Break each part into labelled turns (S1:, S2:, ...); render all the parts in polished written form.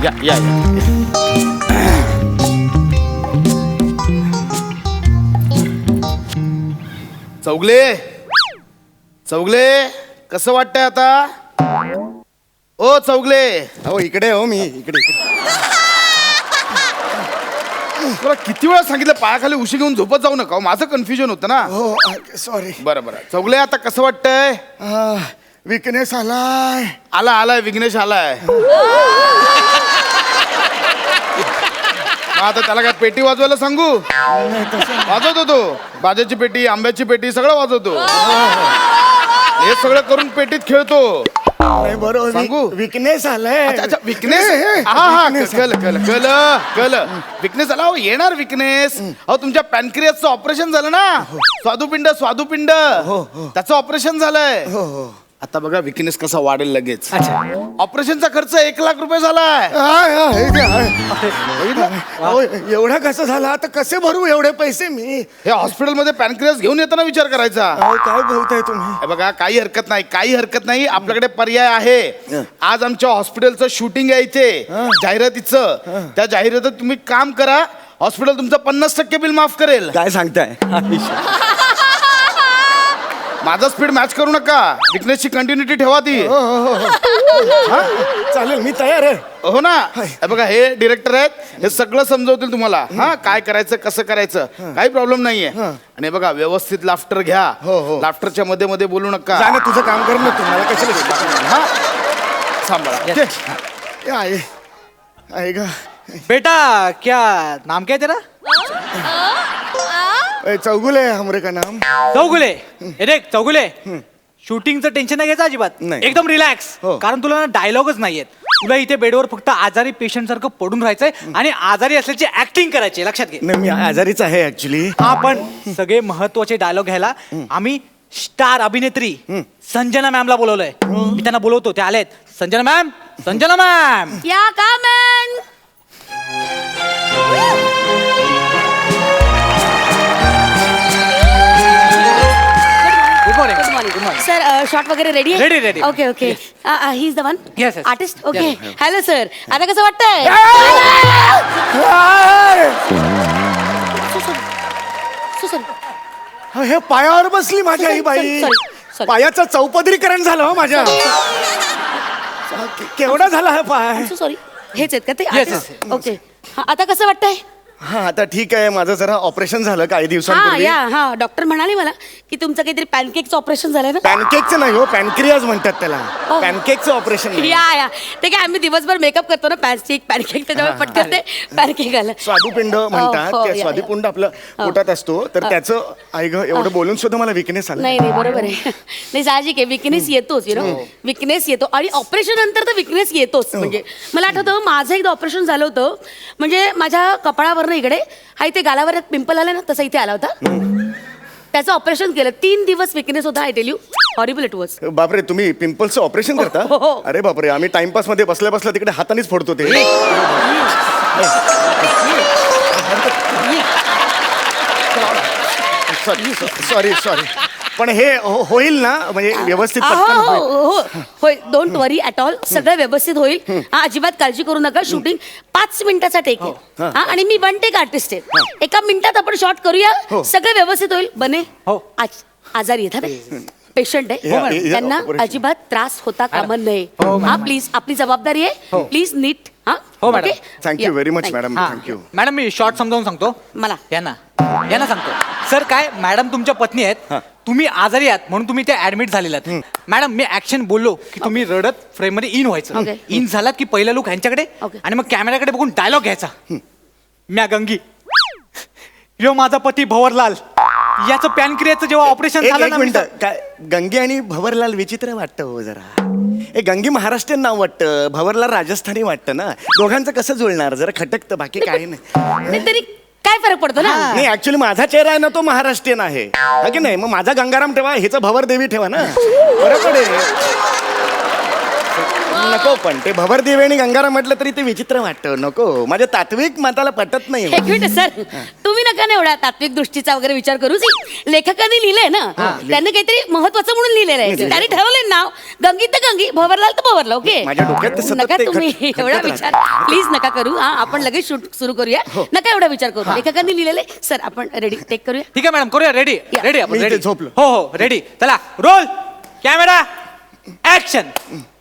S1: या या या. चौगले चौगले कसं वाटतंय आता? ओ चौगले,
S2: हो इकडे हो मी इकडे
S1: तुला किती वेळा सांगितलं पायाखाली उशी घेऊन झोपत जाऊ नका. माझं कन्फ्युजन होतं ना.
S2: हो सॉरी.
S1: बरं बरं चौगले, आता कसं वाटतंय?
S2: विकनेस आलाय.
S1: आलाय विघ्नेश आलाय. मग आता त्याला काय पेटी वाजवायला सांगू? वाजवतो तो, बाजाची पेटी, आंब्याची पेटी सगळं वाजवतो. हे सगळं करून पेटीत खेळतो.
S2: नाही बरोबर
S1: सांगू?
S2: विकनेस आलाय.
S1: अच्छा विकनेस. हा कल विकनेस आला. येणार विकनेस. अहो तुमच्या पॅनक्रियासचं ऑपरेशन झालं ना. स्वादुपिंड त्याचं ऑपरेशन झालंय. आता बघा विकनेस कसा वाढेल लगेच. ऑपरेशनचा खर्च 1 लाख रुपये झालाय.
S2: एवढा कसं झाला? आता कसे भरू एवढे पैसे मी?
S1: हे हॉस्पिटलमध्ये पॅनक्रियास घेऊन येताना विचार करायचा.
S2: काय बोलताय तुम्ही?
S1: हे बघा काही हरकत नाही आपल्याकडे पर्याय आहे. आज आमच्या हॉस्पिटलचं शूटिंग यायचे जाहिरातीचं. त्या जाहिरातीत तुम्ही काम करा, हॉस्पिटल तुमचं 50% बिल माफ करेल.
S2: काय सांगताय?
S1: माझा स्पीड मॅच करू नका. विकनेसची कंटिन्युटी ठेवा ती.
S2: चालेल मी तयार आहे.
S1: हो ना. हे बघा हे डिरेक्टर आहेत, हे सगळं समजवतील तुम्हाला. हा काय करायचं कसं करायचं काही प्रॉब्लेम नाहीये. आणि बघा व्यवस्थित लाफ्टर घ्या. लाफ्टरच्या मध्ये मध्ये बोलू नका.
S2: जा ना, तुझं काम कर ना. तुम्हाला कशाला?
S1: हा सांभाळा.
S2: आहे का
S3: बेटा? क्या नाम क्या है तेरा?
S2: चौगुले हमरे का नाम.
S3: चौगुले. हे देख चौगुले, शूटिंगचं टेन्शन नाही घ्यायचं अजिबात.
S2: नाही.
S3: एकदम रिलॅक्स.
S2: हो.
S3: कारण तुला ना डायलॉगच नाहीयेत. तुला इथे बेडवर फक्त आजारी पेशंट सारखं पडून राहायचंय आणि आजारी असल्याची ऍक्टिंग करायची. लक्षात घे.
S2: नाही मी आजारीच आहे ऍक्च्युली.
S3: हा पण सगळे महत्वाचे डायलॉग घ्यायला आम्ही स्टार अभिनेत्री संजना मॅमला बोलवलंय. मी त्यांना बोलवतो, ते आलेत. Sanjana ma'am, Sanjana ma'am.
S4: या का man?
S3: Good morning.
S4: Good morning sir. Shot वगैरे रेडी आहे?
S3: Ready, ready.
S4: Okay okay. He is the one
S3: Yes, yes.
S4: Artist. Okay.
S3: Yes.
S4: Hello sir, आता कसं वाटतंय?
S2: हे पायावर बसली माझ्या ही बाई.
S4: Sorry.
S2: पायाचं चौपदरीकरण झालं हो माझ्या. केवढा झाला हा पाय?
S4: सॉरी. हेच आहेत का ते
S3: Yes,
S4: artist?
S3: yes.
S4: ओके. आता कसं वाटतंय?
S2: हा आता ठीक आहे. माझं जरा ऑपरेशन झालं काही
S4: हा
S2: दिवसांपूर्वी.
S4: या डॉक्टर म्हणाले मला की तुमचं काहीतरी पॅनकेकचं ऑपरेशन झालंय ना.
S2: पॅनकेकचं नाही हो, पॅनक्रियाज म्हणतात त्याला.
S4: Oh.
S2: पॅनकेकचं ऑपरेशन नाही.
S4: या ते काय आम्ही दिवसभर मेकअप करतो ना, पॅनकेक त्याच्यामुळे पटकन ते पॅनकेक आलं.
S2: स्वादुपिंड म्हणतात.
S4: हो,
S2: त्या
S4: या.
S2: स्वादुपिंड आपलं पोटात असतो. तर त्याचं आई ग एवढं बोलून सुद्धा मला विकनेस आला.
S4: नाही बरोबर आहे. नाही साहजिक आहे, विकनेस येतोच. विकनेस येतो आणि ऑपरेशन नंतर तर विकनेस येतोच. म्हणजे मला आठवतं माझं एकदा ऑपरेशन झालं होतं. म्हणजे माझ्या कपाळावरनं इकडे हा इथे गालावर एक पिंपल आला ना, तसा इथे आला होता. त्याचं ऑपरेशन केलं. 3 दिवस विकनेस होता. I tell you, horrible it was.
S2: बापरे, तुम्ही पिंपल्सचं ऑपरेशन करता?
S4: हो.
S2: अरे बापरे, आम्ही टाइमपास मध्ये बसल्या बसल्या तिकडे हातानेच फोडतो ते. सॉरी पण हे होईल ना, म्हणजे व्यवस्थित पटकन होईल?
S4: होय. Don't worry at all. सगळं व्यवस्थित होईल. हा अजिबात काळजी करू नका. शूटिंग 5 मिनिटाचा टेक आहे. हा आणि मी 1 टेक आर्टिस्ट आहे. 1 मिनिटात आपण शॉट करूया. सगळं व्यवस्थित होईल. बने
S3: हो.
S4: आजारी येतात, पेशंट आहे.
S2: हो, मॅडम.
S4: त्यांना
S2: operation.
S4: अजिबात त्रास होता कामा नये. हा प्लीज, आपली जबाबदारी आहे. प्लीज नीट.
S3: हो, madam.
S2: Thank you very much madam.
S3: हा.
S2: थँक्यू.
S3: मॅडम मी शॉर्ट समजावून सांगतो.
S4: मला
S3: यांना सांगतो. सर काय, मॅडम तुमच्या पत्नी आहेत. तुम्ही आजारी आहात म्हणून तुम्ही ते ऍडमिट झालेला आहात. मॅडम मी ऍक्शन बोललो की तुम्ही रडत फ्रेम मध्ये इन व्हायचं.
S4: Okay.
S3: इन झालात की पहिला लुक ह्यांच्याकडे
S4: Okay.
S3: आणि मग कॅमेऱ्याकडे बघून डायलॉग घ्यायचा. म्या गंगी, यो माझा पती भवरलाल, याचं पॅनक्रियाचं जेव्हा ऑपरेशन
S2: एक
S3: झालं ना.
S2: मिनिट. काय गंगे आणि भवरलाल विचित्र वाटतं हो जरा. हे गंगी महाराष्ट्रीयन नाव वाटतं, भवरलाल राजस्थानी वाटतं ना. दोघांचं कसं जुळणार? जरा खटकतं, बाकी काही नाही.
S4: नाही तरी काय फरक पडतो ना.
S2: नाही ऍक्च्युली माझा चेहरा आहे ना, तो महाराष्ट्रीयन आहे. हा की नाही? मग माझा गंगाराम ठेवा, हिचं भवरदेवी ठेवा ना, बरं पडेल. नको, पण ते भवरदेवी आणि गंगाराम म्हटलं तरी ते विचित्र वाटतं. नको, माझ्या तात्विक मताला पटत नाही.
S4: एक मिनिट सर, तुम्ही ना नका ना एवढा तात्विक दृष्टीचा वगैरे विचार करू. लेखकांनी लिहिलंय ना, त्यांनी काहीतरी महत्वाचं म्हणून लिहिलेलं आहे. त्यांनी ठरवलंय नाव गंगी तर गंगी, भवरलाल तर भवरला. ओके,
S2: माझ्या डोक्यात तर सतत
S4: नका
S2: ते
S4: तुम्ही
S2: खटखट
S4: एवढा
S2: राहतं.
S4: विचार प्लीज नका करू. हा, आपण लगेच शूट सुरू करूया. नका एवढा विचार करू. लेखकांनी लिहिलेले. सर आपण रेडी टेक करूया.
S3: ठीक आहे मॅडम, करूया. रेडी
S4: या.
S3: रेडी आपण
S2: मी इथे
S3: रेडी.
S2: झोपलो.
S3: हो हो रेडी. चला रोल कॅमेरा ऍक्शन.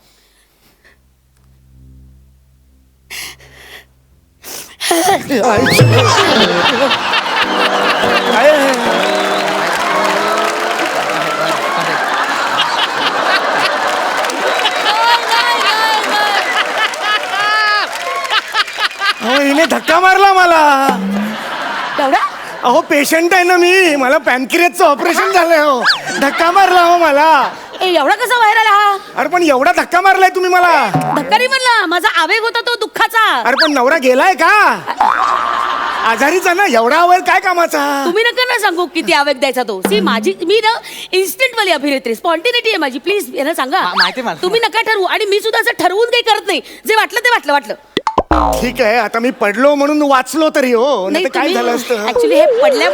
S2: हिने धक्का मारला मला.
S4: एवढा
S2: अहो पेशंट आहे ना मी, मला पॅनक्रियाचं ऑपरेशन झालंय. हो धक्का मारला हो मला.
S4: एवढा कसा बाहेर आला हा?
S2: अरे पण एवढा धक्का मारलाय तुम्ही मला.
S4: धक्का नाही म्हणला, माझा आवेग होता तो दुःखाचा.
S2: अरे पण नवरा गेलाय का? आजारीचा ना, एवढा आवाज काय कामाचा?
S4: तुम्ही नका ना सांगू किती आवेग द्यायचा तो. सी माझी मी ना इन्स्टंट वाली अभिनेत्री, स्पॉन्टिनिटी आहे माझी. प्लीज यांना सांगा.
S3: माहिती आहे मला.
S4: तुम्ही नका ठरवू. आणि मी सुद्धा असं ठरवून काही करत नाही. जे वाटलं ते वाटलं.
S2: ठीक आहे, आता मी पडलो म्हणून वाचलो तरी. हो नाही तर काय झालं असतं?
S4: ऍक्च्युली हे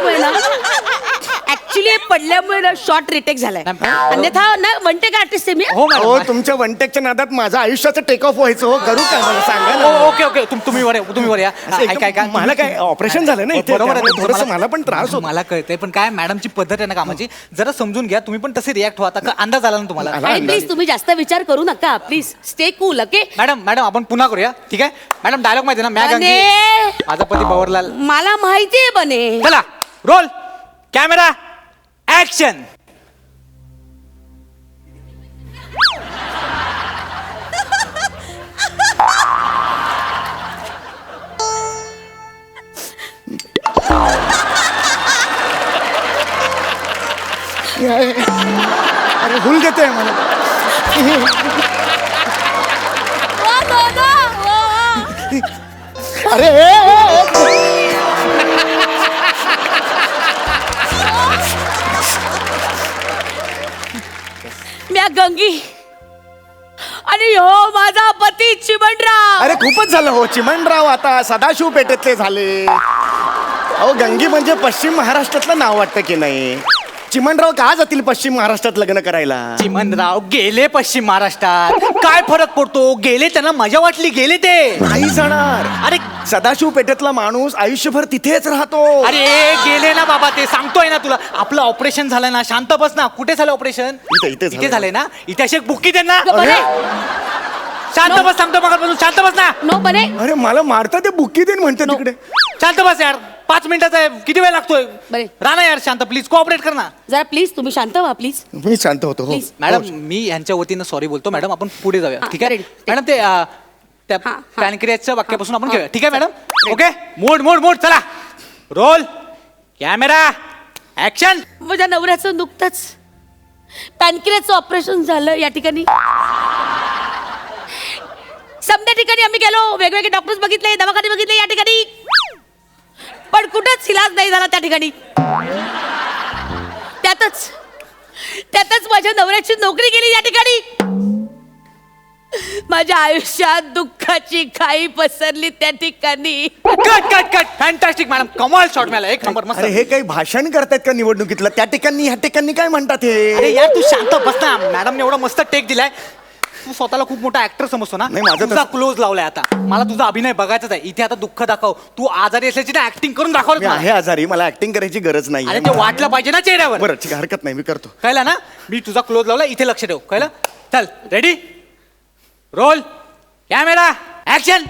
S4: पडल्यामुळे ना शॉर्ट रिटेक झालाय. अन्यथा ना वन टेक आर्टिस्ट आहे मी.
S3: हो
S2: हो
S3: मॅडम.
S2: तुमच्या वनटेकच्या नादात माझं आयुष्याचं टेक ऑफ व्हायचं. हो करू का मला सांगा ना.
S3: ओके ओके तुम्ही वर या, तुम्ही वर या.
S2: असं एकदम
S3: ऐका
S2: मला काय ऑपरेशन झालं ना इथे,
S3: बरोबर आहे.
S2: त्यामुळे थोडंसं मला पण त्रास होतो.
S3: मला कळतंय, पण काय मॅडमची पद्धत आहे ना कामाची, जरा समजून घ्या. तुम्ही पण तसे रिॲक्ट व्हा. आता अंदाज आला ना तुम्हाला.
S2: आला.
S4: आणि प्लीज तुम्ही जास्त विचार करू नका. Please stay cool. Okay
S3: madam आपण पुन्हा करूया. ठीक आहे मॅडम. डायलॉग माहिती आहे ना, मॅ गंगी माझा पती भवरलाल.
S4: मला माहितीये बने.
S3: चला रोल कॅमेरा ऍक्शन.
S2: अरे भूल देते मला. अरे
S4: म्या गंगी आणि हो माझा पती चिमणराव.
S2: अरे खूपच झालं हो. चिमणराव आता सदाशिव पेठेतले झाले. अहो गंगी म्हणजे पश्चिम महाराष्ट्रातलं नाव वाटतं की नाही? चिमणराव का जातील पश्चिम महाराष्ट्रात लग्न करायला?
S3: चिमणराव गेले पश्चिम महाराष्ट्रात. काय फरक पडतो? गेले, त्यांना मजा वाटली, गेले ते.
S2: नाही जाणार.
S3: अरे
S2: सदाशिव पेठेतला माणूस आयुष्यभर तिथेच राहतो.
S3: अरे गेले ना बाबा, ते सांगतोय ना तुला. आपलं ऑपरेशन झालं ना. शांत बस ना. कुठे झालं ऑपरेशन?
S2: इथे झालं.
S3: झालंय ना. इथे अशी एक बुक्की दे ना.
S4: बने
S3: शांत बस, सांगतो मगापासून. शांत बस ना.
S4: नो बने.
S2: अरे मला मारता ते बुक्की देईन म्हणते तिकडे.
S3: शांत बस यार. 5 मिनिटाचा आहे. किती वेळ लागतोय?
S4: बरे.
S3: राणा यार शांत, प्लीज कोऑपरेट कर ना.
S4: जरा प्लीज तुम्ही शांत व्हा प्लीज.
S2: मी शांत होतो. हो
S4: Please.
S3: मॅडम मी यांच्या वतीनं सॉरी बोलतो. मॅडम आपण पुढे जाऊया.
S4: हा,
S3: ठीक आहे
S4: ready.
S3: मॅडम. ते त्या
S4: हा, हा.
S3: पॅनक्रियाच्या वाक्यापासून आपण
S4: हा.
S3: घेऊया. ठीक आहे मॅडम. ओके मोड चला. Roll camera action.
S4: माझ्या नवऱ्याचं नुकतंच पॅनक्रियाचं ऑपरेशन झालं या ठिकाणी. समजा ठिकाणी आम्ही गेलो, वेगवेगळे डॉक्टर्स बघितले, दवाखाने बघितले या ठिकाणी, पण कुठंच इलाज नाही झाला त्या ठिकाणी. त्यातच माझ्या नवऱ्याची नोकरी गेली या ठिकाणी. माझ्या आयुष्यात दुःखाची खाई पसरली त्या ठिकाणी.
S3: Cut fantastic madam. कमाल शॉट मिळाला. एक नंबर मस्त.
S2: अरे हे काही भाषण करतायत का निवडणुकीतलं? त्या ठिकाणी ह्या ठिकाणी काय म्हणतात
S3: अरे
S2: हे?
S3: यार तू शांत बस ना. मॅडमने एवढा मस्त टेक दिलाय. तू स्वतःला खूप मोठा ऍक्टर समजतो ना.
S2: नाही, माझं
S3: तुझा क्लोज लावलाय आता. मला तुझा अभिनय बघायचाच आहे. इथे आता दुःख दाखव. तू आजारी असल्याची ना ऍक्टिंग करून
S2: मी
S3: दाखवलं.
S2: आहे आजारी, मला ऍक्टिंग करायची गरज नाही.
S3: अरे ते वाटलं पाहिजे ना चेहऱ्यावर.
S2: बरं ठीक आहे, हरकत नाही, मी करतो.
S3: कळलं ना. मी तुझा क्लोज लावला. इथे लक्ष ठेव. कळलं. चल ready roll camera action.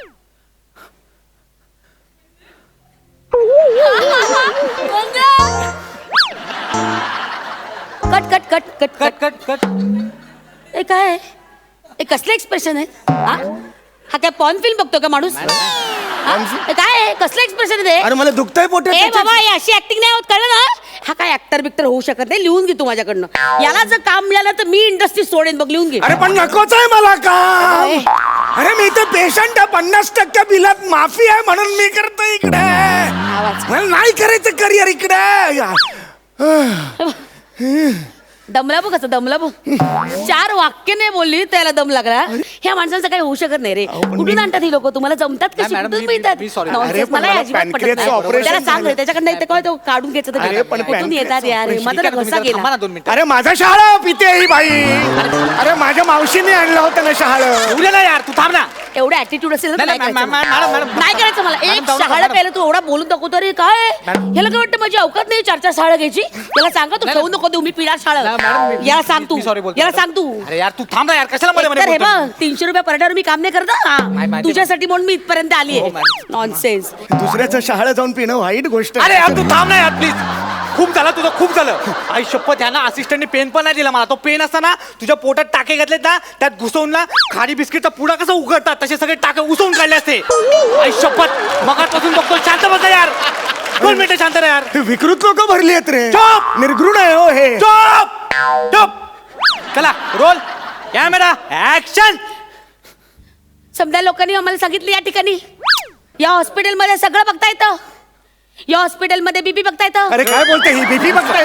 S4: Cut. ए काय हे कसलं एक्सप्रेशन आहे? हा काय पॉर्न फिल्म बघतो का माणूस? हे काय आहे? कसलं एक्सप्रेशन आहे?
S2: अरे मला दुखतंय पोटे.
S4: ए बाबा हे अशी ऍक्टिंग नाही होत, कळलं ना. हा काय ऍक्टर बिक्टर होऊ शकत नाही. लिहून घे तू माझ्याकडनं. याला जर काम मिळालं तर मी इंडस्ट्री सोडेन बघ. लिहून घे.
S2: अरे पण नकोच आहे मला काम. अरे मी तर पेशंट आहे. 50% बिलात माफी आहे म्हणून मी करतो इकडे. मला नाही करायचं करिअर इकडे.
S4: दमला बघ कसं दमला बघ 4 वाक्य नाही बोलली त्याला दम लागला. ह्या माणसांचं काही होऊ शकत नाही रे. कुठून आणतात ही लोक? तुम्हाला जमतात कशी?
S3: मॅडम,
S4: कुठून
S3: मी-
S4: मिळतात?
S3: मी sorry.
S4: Nonsense.
S2: अरे, पण
S4: मला
S2: मला
S4: अजिबात पटत
S2: pancreasचं
S4: नाही.
S2: operation
S4: त्याला सांग
S2: झालं.
S4: त्याच्याकडनं ते काय तो काढून घ्यायचं ते
S2: अरे, पण
S4: कुठून येतात यार?
S2: pancreasचं
S4: माझा
S3: ठीक आहे,
S4: घसा
S3: तुम्ही थांबा
S4: गेला.
S3: ना 2 मिनिटं.
S2: अरे माझा शहाळा पिते ही बाई. अरे माझ्या मावशीने आणलं होतं ना शहाळ.
S3: उद्या ना यार, तू थांब ना.
S4: एवढा ऍटिट्यूड असेल ना तर
S3: नाही,
S4: नाही
S3: नाही,
S4: करायचं
S3: मॅडम,
S4: मला.
S3: मॅडम.
S4: नाही करायचं मला.
S3: मॅडम,
S4: एक
S3: जाऊ नका,
S4: शहाळा
S3: मॅडम.
S4: प्यायला तू एवढा बोलून दाखवतो रे काय?
S3: मॅडम.
S4: ह्याला काय वाटतं माझी अवकात नाही 4 शहाळा घ्यायची? त्याला सांगा तू
S3: नाही,
S4: ठेवू नको देऊ मी पिणार शाळा.
S3: नाही, मॅडम, मी-
S4: याला सांग तू.
S3: मी sorry बोलतो,
S4: याला
S3: मॅडम.
S4: सांग तू.
S3: अरे यार, तू थांब ना यार, कशाला मध्ये मध्ये
S4: एकतर हे
S3: बोलतो?
S4: बघ 300 रुपये पर मी काम नाही करत हा.
S3: नाही, माहिती-
S4: तुझ्यासाठी म्हणून मी इथपर्यंत आली
S3: हो,
S4: आहे.
S3: मॅडम.
S4: नॉनसेन्स.
S2: दुसऱ्याचं शहाळ जाऊन पिणं वाईट गोष्ट
S3: अरे यार, तू थांब ना यार प्लीज. खूप झालं तुझं, खूप झालं. आई शपथ, ह्या ना असिस्टंटने पेन पण नाही दिला मला. तो पेन असताना तुझ्या पोटात टाके घातलेत ना, त्यात घुसवून ना खारी बिस्किटचा पुडा कसा उघडतात तसे सगळे टाके उसवून काढले असते. आई शपथ, मगापासून बघतो. शांत बसा यार. 2 मिनिटं शांत राहा यार.
S2: विकृत लोक भरली आहेत रे.
S3: चुप!
S2: निर्घृण आहे हो हे.
S3: चुप चुप. चला रोल कॅमेरा ऍक्शन.
S4: समजा लोकांनी आम्हाला सांगितलं या ठिकाणी या हॉस्पिटलमध्ये सगळं बघता येतं. या हॉस्पिटलमध्ये बीपी बघता येतं.
S2: अरे काय बोलते ही बीपी बघताय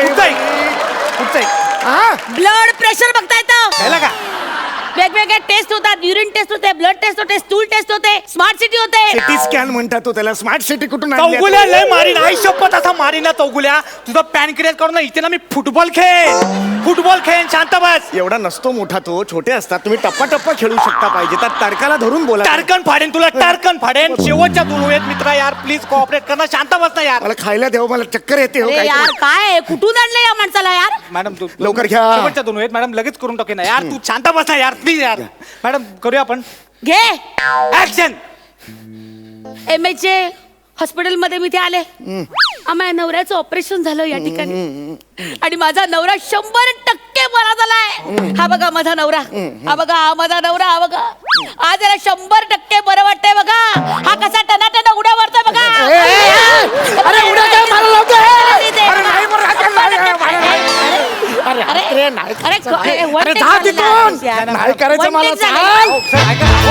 S2: हा?
S4: ब्लड प्रेशर बघता येतं.
S3: कळलं का?
S4: वेगवेगळे टेस्ट होतात. युरिन टेस्ट होते, ब्लड टेस्ट होते, स्टूल टेस्ट होते, स्मार्ट सिटी होते.
S2: सिटी स्कॅन म्हणतात तो त्याला. स्मार्ट सिटी कुठून आणली
S3: चौगुल्या
S2: आता?
S3: लय मारीन. आई शपथ असा मारीन ना चौगुल्या. तुझा पॅनक्रियास करून ना इथे ना मी फुटबॉल खेळ. शांत बस.
S2: एवढा नसतो मोठा तो. छोटे असतात. तुम्ही टप्पा टप्पा खेळू शकता. पाहिजे तर तर्काला धरून बोला.
S3: टारकन फाडेन तुला, टारकन फाडेन. शेवटच्या 2 वेळेत मित्रा यार, प्लीज कोऑपरेट करणं. शांत बस ना यार.
S2: मला खायला द्यावं. मला चक्कर येते हो
S4: अरे
S2: काय
S4: यार काय आहे? कुठून आणलं या माणसाला यार?
S3: मॅडम तू
S2: लवकर घ्या.
S3: शेवटच्या 2 वेळेत मॅडम लगेच करून टाकेन ना यार. तू शांत बस ना यार प्लीज यार. मॅडम करूया आपण.
S4: घे.
S3: ऍक्शन.
S4: MH हॉस्पिटलमध्ये मी ते आले. माझ्या नवऱ्याचं ऑपरेशन झालं या ठिकाणी आणि माझा नवरा 100% बरा झालाय. हा बघा माझा नवरा. हा बघा हा माझा नवरा. हा बघा आज याला 100% बरं वाटतंय बघा. हा कसा टनाटन उड्या मारतोय बघा.
S2: अरे उड्या काय मारायला लावतोय?
S4: इथे
S2: अरे नाही बरं,
S4: बघा.
S2: नाही, नाही, नाही,
S4: अरे
S2: अरे नाही.
S4: अरे
S2: अरे जा तिथून. नाही करायचं मला. चाल.